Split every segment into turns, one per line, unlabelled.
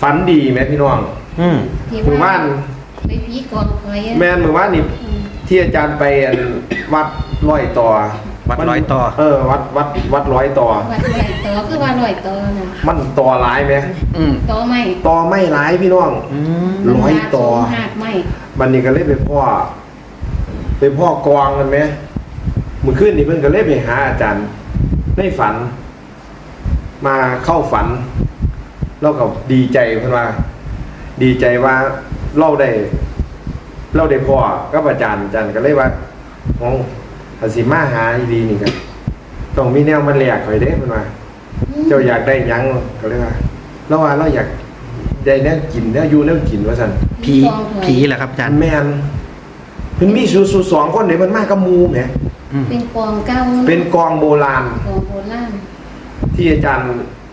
ฝันดีไหมพี่น้องหมู่บ้าน
ไปผีกองคอย
แม่นหมู่บ้านนี่ที่อาจารย์ไปวัดร้อยต่อ
วัดร้อยต่อ
วัดร้อยต่อ
วัดร้อยต่อคือว่าร้อยต่อนะ
มันต่อหลายไหม
ต่อ
ไม่หลายพี่น้องร้อยต่อ
หักไม่
บันนี้ก็เลยไปพ่อกองกันไหมเมื่อคืนนี้เพิ่นก็เลยไปหาอาจารย์ในฝันมาเข้าฝันเราก็ดีใจเพิ่นว่าดีใจว่าเราได้พ่อกับอาจารย์ก็เลยว่าอ๋อถ้าสิมาหาดีนี่กันต้องมีแนวมันแหลกข่อยเด้เพิ่นว่าเจ้าอยากได้หยังก็เลยว่าเราอยากได้แนวกินแนวอยู่แนวกินว่าซั่น
ผีเหรอครับอาจารย์
แม่นเพิ่นมีสู่2คนนี่เพิ่นมากับหมู่แหม
เป็นกองเก่า
เป็นกองโบราณที่อาจารย์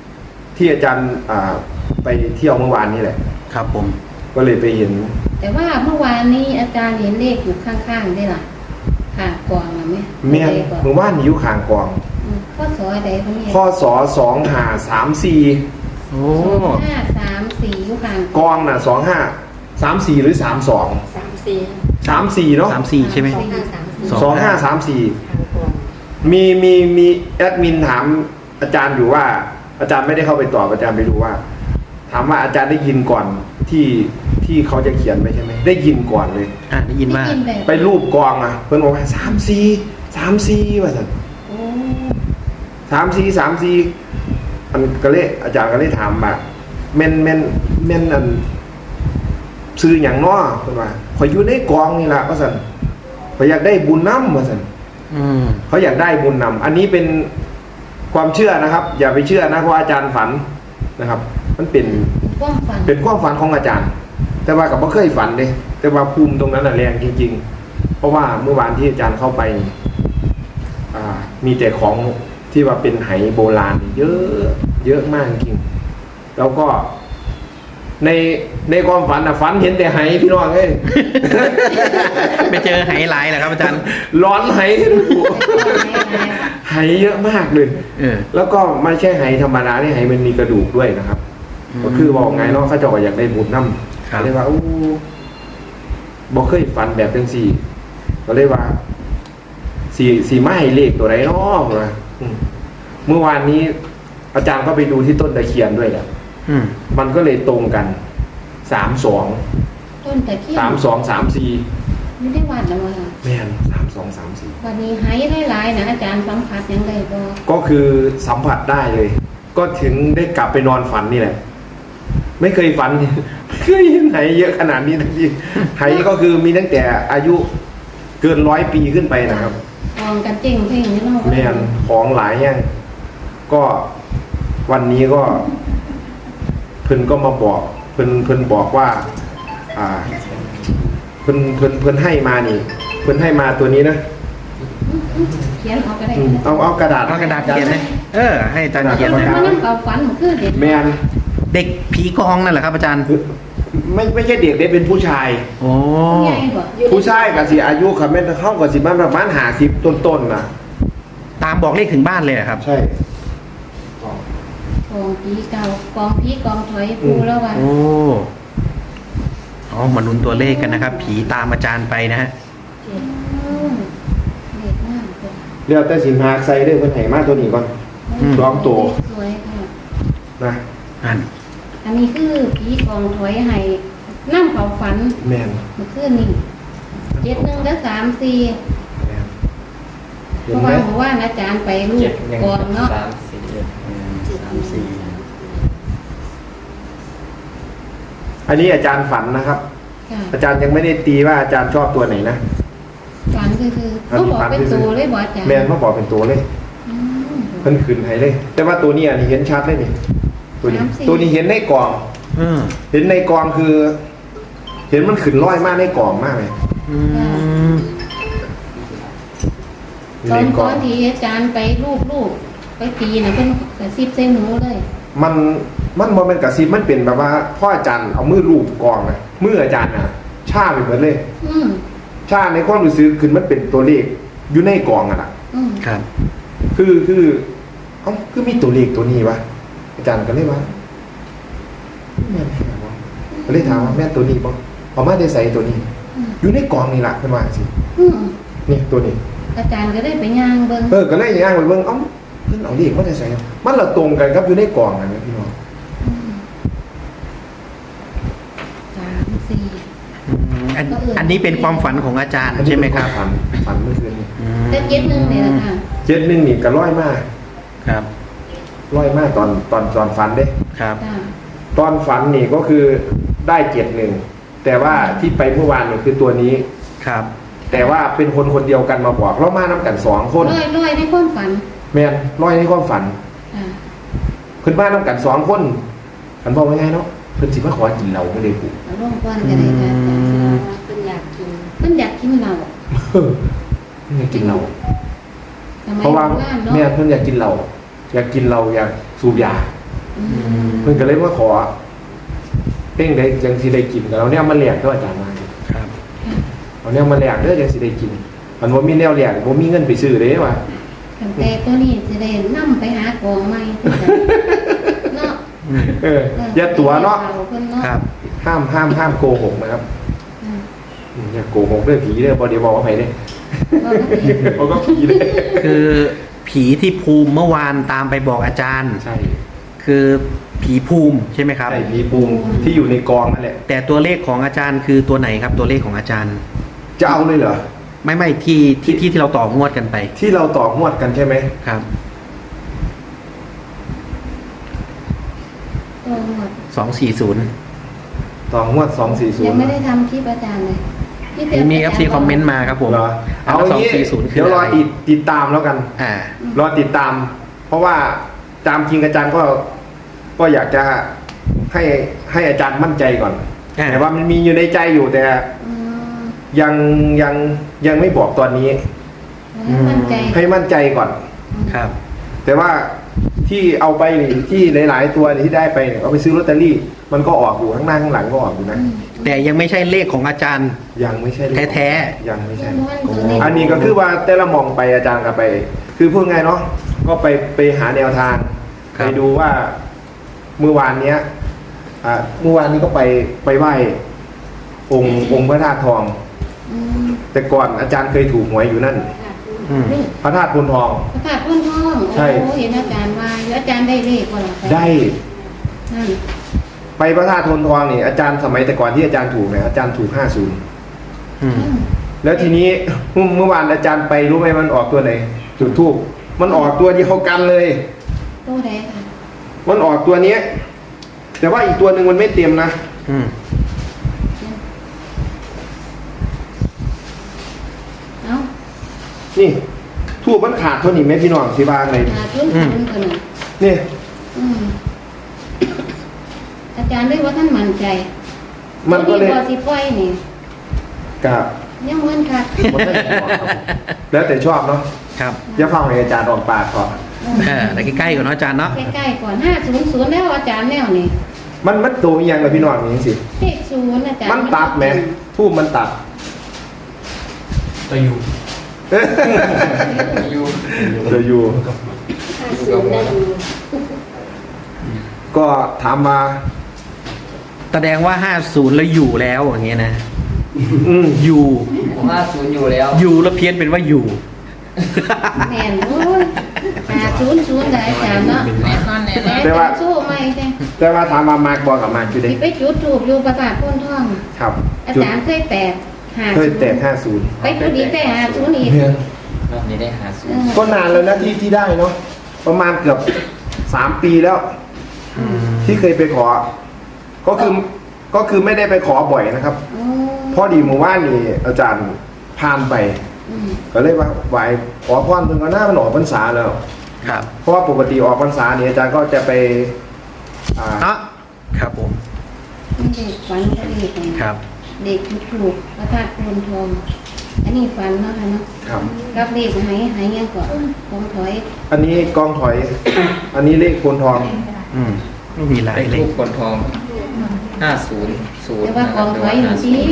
ไปเที่ยวเมื่อวานนี้แหละ
ครับผม
ก็เลยไปเห็น
แต่ว่าเมื่อวานนี้อาจารย์เห็นเลขอยู่ข้างๆได้ล่ะข้างกองนะ
แม่เมื่อวานอยู่ข้างกอง
ข้อสอใดของ
ข้อสอ2534
โอ้
2534อยู่ข้าง
กองน่ะ2534หรือ34เนาะ
34ใช่ไหม
2534มีแอดมินถามอาจารย์อยู่ว่าอาจารย์ไม่ได้เข้าไปตอบอาจารย์ไปดูว่าถามว่าอาจารย์ได้ยินก่อนที่เขาจะเขียนไหมใช่ไหมได้ยินก่อนเลย
ได้ยินว่า
ไปรูปกองอ่ะเพื่อนบอกว่า34ว่าสัน34มันก็เลยอาจารย์ก็เลยถามว่าเม่นอันซื้ออย่างน้อเพื่อนว่าขออยู่ในกองนี่แหละว่าสันเขาอยากได้บุญน้ำว่าสันเขาอยากได้บุญนำอันนี้เป็นความเชื่อนะครับอย่าไปเชื่อนะเพราะอาจารย์ฝันนะครับมันเป็นความฝันของอาจารย์แต่ว่ากับไม่เคยฝันเลยแต่ว่าภูมิตรงนั้นแรงจริงๆเพราะว่าเมื่อวานที่อาจารย์เข้าไปมีแต่ของที่ว่าเป็นไหโบราณเยอะมากจริงแล้วก็ในความฝันฝันเห็นแต่ไหพี่น้องเอ้ย
ไปเจอไหหลายเหรอครับอาจารย์
ร้อนไหไหเยอะมากเลยแล้วก็ไม่ใช่ไหธรรมดาที่ไหมันมีกระดูกด้วยนะครับก็คือบอกไงเนาะเขาจะอยากได้บุญน้ำเลยว่าบอกเคยฝันแบบจังสี่ก็เลยว่าสี่ไม้เลขตัวไหนเนาะเมื่อวานนี้อาจารย์ก็ไปดูที่ต้นตะเคียนด้วยแหละมันก็เลยตรงกัน32
ต้นตะเคียน
3234
ไม่ได้วัดแล้วว่า
แม่น3234
วันนี้ให้หลายๆนะอาจารย์สัมผัสยังไง
ก็คือสัมผัสได้เลยก็ถึงได้กลับไปนอนฝันนี่แหละไม่เคยฝันไม่เคยเห็นไหเยอะขนาดนี้ทั้งทีไหก็คือมีตั้งแต่อายุเกิน100 ปีขึ้นไปนะครับ
ของกันเจ๋งเพ่งนี่เนาะ
แม่นของหลายอย่างก็วันนี้ก็เพิ่นก็มาบอกเพิ่นบอกว่าเพิ่นให้มานี่เพิ่นให้มาตัวนี้นะ
เขียนเอาก็ได้
เอากระดาษ
เขียนเลยให้อาจารย์เขียน
นะมันนั่งเอาฝันคือเด็ก
แม่น
เด็กผีกองนั่นแหละครับอาจารย์
ไม่ใช่เด็กได้เป็นผู้ชาย
โอ้
ผู้ชายกับสิอายุครับแม่เข้ากับสิบ้านประมาณ50ต้นๆนะ
ตามบอกเลขถึงบ้านเลยครับ
ใช่
กองผีเก่ากองผีกองถอยปูแล้วว่า
มาลุ้นตัวเลขกันนะครับผีตามอาจารย์ไปนะฮะ
เรียกแต่สินหาใส่ด้วยเพิ่นให้มาตัวนี้ก่อน2ตัว
สวยค่ะ
นะ
อันนี้คือผีกองถอยให้น้ำเขาฝัน
แม่น
มันคือนี่71และ34เพราะว่าอาจารย์ไปรูปกองเนาะ
อันนี้อาจารย์ฝันนะครับอาจารย์ยังไม่ได้ตีว่าอาจารย์ชอบตัวไหนนะ
ฝันคือเขาบอกเป็นตัวเลยบอกอาจารย์
แม่นเขาบอกเป็นตัวเลยเพิ่นขึ้นให้เลยแต่ว่าตัวนี้อันนี้เห็นชัดเลยนี่ตัวนี้เห็นในกล่องเห็นในกล่องคือเห็นมันขึ้นร้อยมากในกล่องมากเลย
ตอนที่อาจารย์ไปรูปไปตีนะเป็นกระซิบใส่หมูเลย
มันบ่เป็นกระซิบมันเป็นแบบว่าพ่ออาจารย์เอามือรูปกองนะมืออาจารย์น่ะชาไปเหมือนเลยชาในความรู้สึกขึ้นมันเป็นตัวเลขอยู่ในกองอ่ะ
ครับ
คือมีตัวเลขตัวนี้วะอาจารย์ก็เลยว่าแม่นแท้บ่ก็เลยถามว่าแม่นตัวนี้บ่เอามาได้ใส่ตัวนี้ อยู่ในกล่องนี่ล่ะเพิ่นว่าสิ
อืม
นี่ตัวนี้
อาจารย์ก็ได้ไปย่างเบิ่ง
ก็เลยย่างไปเบิ่งเอ้าเพิ่นเอาเลขมาได้ใส่มันละตรงกันครับอยู่ในกล่องนั่นแหละพี่น้อง
3 4
อันนี้เป็นความฝันของอาจารย์ใช่ไหมครับ
ฝันเมื่อคืนนี้
แต่7-1นี่แหละค่ะ
71นี่ก็ร้อยมาก
ครับ
ร้อยมากตอนฝันเด้
ครับ
จ้า
ตอนฝันนี่ก็คือได้71แต่ว่าที่ไปเมื่อวานนี่คือตัวนี้
ครับ
แต่ว่าเป็นคนเดียวกันมาบอกเรามานํกัน2คน
ร้อยในความฝัน
แม่นร้อยในความฝัน
อ่า
เพิ่นมานํกัน2คนอันบอกว่าไงเนาะเพิ่นสิมาขอกินเหล้าไม่ได้กู
เอาลงก่อนก็ได้ค่ะอาจารย์เพิ่นอยากกินเหล้า
เพิ่นอยากกินเหล้า
สมัย
เพราะว่า
โบราณเนาะ
แม่เพิ่นอยากกินเหล้าอยากกินเหล้าอยากสูบยา
อืม
เพิ่นก็เลยมาขอเพ่งได้จังสิได้กินก็เอาเนี่ยมาแลกเด้ออาจารย์มา
ครับ
เอาเนี่ยมาแลกเด้อจังสิได้กินมันบ่มีแนวแลกบ่มีเงินไปซื้อเด้ว่า
แต่ตัวนี้สิได้นํไปหากองใหม่เนาะ
อย่าตัวเนาะ
เพิ่นเนาะ
ครับ
ห้ามโกหกนะครับ
อ่า
อย่าโกหกเด้อผีเด้อบ่ได้บอกว่าไผเด้
ว่าก็เห็น
บ่ก็ผีเด้
คือผีที่ภูมิเมื่อวานตามไปบอกอาจารย์
ใช่
คือผีภูมิใช่ไหมครับ
ใช่ผีปูมที่อยู่ในกองนั่นแหละ
แต่ตัวเลขของอาจารย์คือตัวไหนครับ ตัวเลขของอาจารย์
จะเอาเลยเหรอ
ไม่ที่เราต่องวดกันไป
ที่เราต่องวดกันใช่ไหม
ครับ
ตัวหมด
240
ต่องวด240
ยังไม่ได้ทำคลิปอาจารย์เลยที่เตือน
มี FC คอมเมนต์มาครับผม
เหรอเอาอย่างนี้
240
เดี๋ยวรออีกติดตามแล้วกัน
อ่าร
อติดตาม เพราะว่าตามจริงอาจารย์ก็อยากจะให้อาจารย์มั่นใจก่อน แต่ว่ามันมีอยู่ในใจอยู่แต่
อืม
ยังไม่บอกตอนนี้
ให้มั่นใจ
ให้มั่นใจก่อน
ครับ
แต่ว่าที่เอาไปนี่ที่หลายๆตัวนี่ที่ได้ไปเนี่ยเอาไปซื้อลอตเตอรี่ มันก็ออกอยู่ข้างหน้าข้างหลังก็ออกอยู่นะ
แต่ยังไม่ใช่เลขของอาจารย์
ยังไม่ใช่
แท้
ยังไม่ใช่
อั
อันนี้ก็คือว่าแต่ละมองไปอาจารย์ก็ไป คือพูดไงเนาะก็ไปหาแนวทาง
ครับ
ไปดูว่าเมื่อวานเนี้ยเมื่อวานนี้ก็ไปไหว้องค์พระธาตุทอง
อืม
แต่ก่อนอาจารย์เคยถูกหวยอยู่นั่น
อืม
นี่
พระธาตุพนทอง
พระธาตุพุ่นทอง
ใช่
โอ้เห็นอาจารย์ว่าอาจารย์ได้เลขบ่ล่ะ
ได้
นั่น
ไปพระธาตุพนทองนี่อาจารย์สมัยแต่ก่อนที่อาจารย์ถูกเนี่ยอาจารย์ถูก50
อืม
อืม
แล้วทีนี้เมื่อวานอาจารย์ไปรู้ไหมมันออกตัวไหนจุดทูบมันออกตัวเดียวกันเลย
ตัวใดค่ะ
มันออกตัวเนี้ย แต่ว่าอีกตัวหนึ่งมันไม่เต็มนะ
อืม
เอ้า
นี่ทูบมันขาดเท่านี้ไหมพี่น้องที่บ้านเลย
หาจุนจุนกันน่ะ
นี่
อืมอาจารย์ได้ว่าท่านมั่นใจ
มันก็เลย
ตัวสิปล่อยนี่
กับ
ยังเหมือนค่ะ
มันก็เลยบอกครับแล้วแต่ชอบเนาะ
ครับ
อย่าฟังให้อาจารย์ออกปากก่อน
แต่ใกล้ๆก่อนเนาะอาจารย์เนาะ
ใกล้ๆก่อน500แล้วอาจารย์แนวนี่
มันโตอีกอย่างเลยพี่น้องนี่สิ
เลข0อาจารย์
มันตัดแหมทูบมันตัด
ตัวอยู่ อยู่
เดี๋ยวอยู่
50ได้
ก็ถามมา
แสดงว่า 50 แล้วอยู่แล้วอย่างเงี้ยนะ อยู่
50อยู่แล้ว
อยู่แล้วเพี้ยนเป็นว่าอยู่
แม่นโอ้ย500ได้อาจารย์เนาะ
แน่นอนแน่นอน
แต่ว่า
สู้ไหมเด้
แต่ว่าถามมามากบอกกับมากอยู่เด้
สิไปจุดถูกอยู่ประสาทพ่นท่อง
ครับ
อา
จุด
จารย์เคยแตก50
เคยแตก50
ไปจุดอีกแต่50อีก
รอบนี้ได้50
ก็นานแล้วนะที่ได้เนาะประมาณเกือบ3 ปีแล้ว
อืม
ที่เคยไปขอ ก็คือไม่ได้ไปขอบ่อยนะครับ
อ๋อ
พอดีหมู่บ้านนี่อาจารย์พานไป
อืม
ก็เลยว่าไหวขอพรถึงก็หน้ามันออกพรรษาแล้ว
ครับ
เพราะว่าปกติออกพรรษาเนี่ยอาจารย์ก็จะไป
เนาะครับผม
เด็กฝันก็เด็กไง
ครับ
เด็กจุดถูกพระธาตุพ่นทอง อันนี้ฝันเนาะค่ะเนาะ
ครับ
กับเลขหายยังก่อนผมถอย
อันนี้กองถอย อันนี้เลขโพนทอง
อืมไม่มีหลาย
ได้
เล
ทู
ข
บคนทอง500
แต่ว่ากองถอยอยู่ที่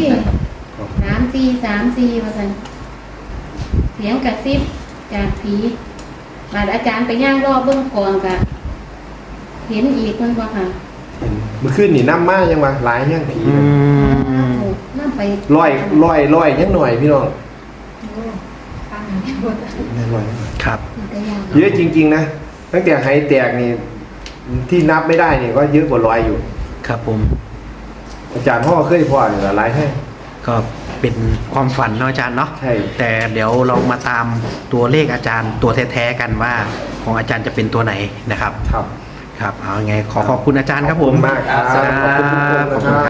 3434ว่าซั่นเสียงกระซิบจากผีบาดอาจารย์ไปย่างรอบเบื้องกองกะเห็นอีกมันบ่ค่ะ
เมื่อคืนนี่น้ำมายังมาหลายยังผี
อืม
น่าไป
ร้อยยังหน่อยพี่น้องร้อย
ครับ
ก็ยาก
เยอะจริงๆนะตั้งแต่ไหแตกนี่ที่นับไม่ได้นี่ก็เยอะกว่าร้อยอยู่
ครับผม
อาจารย์พ่อเคยพ่อเนี่ยหลายให้
ก็เป็นความฝันเนาะอาจารย์เนาะ
ใช่
แต่เดี๋ยวเรามาตามตัวเลขอาจารย์ตัวแท้ๆกันว่าของอาจารย์จะเป็นตัวไหนนะครับ
ครับ
ครับเอาไงขอขอบคุณอาจารย์ครับผม
ขอบคุณมากครับขอบคุณทุกคนนะครับ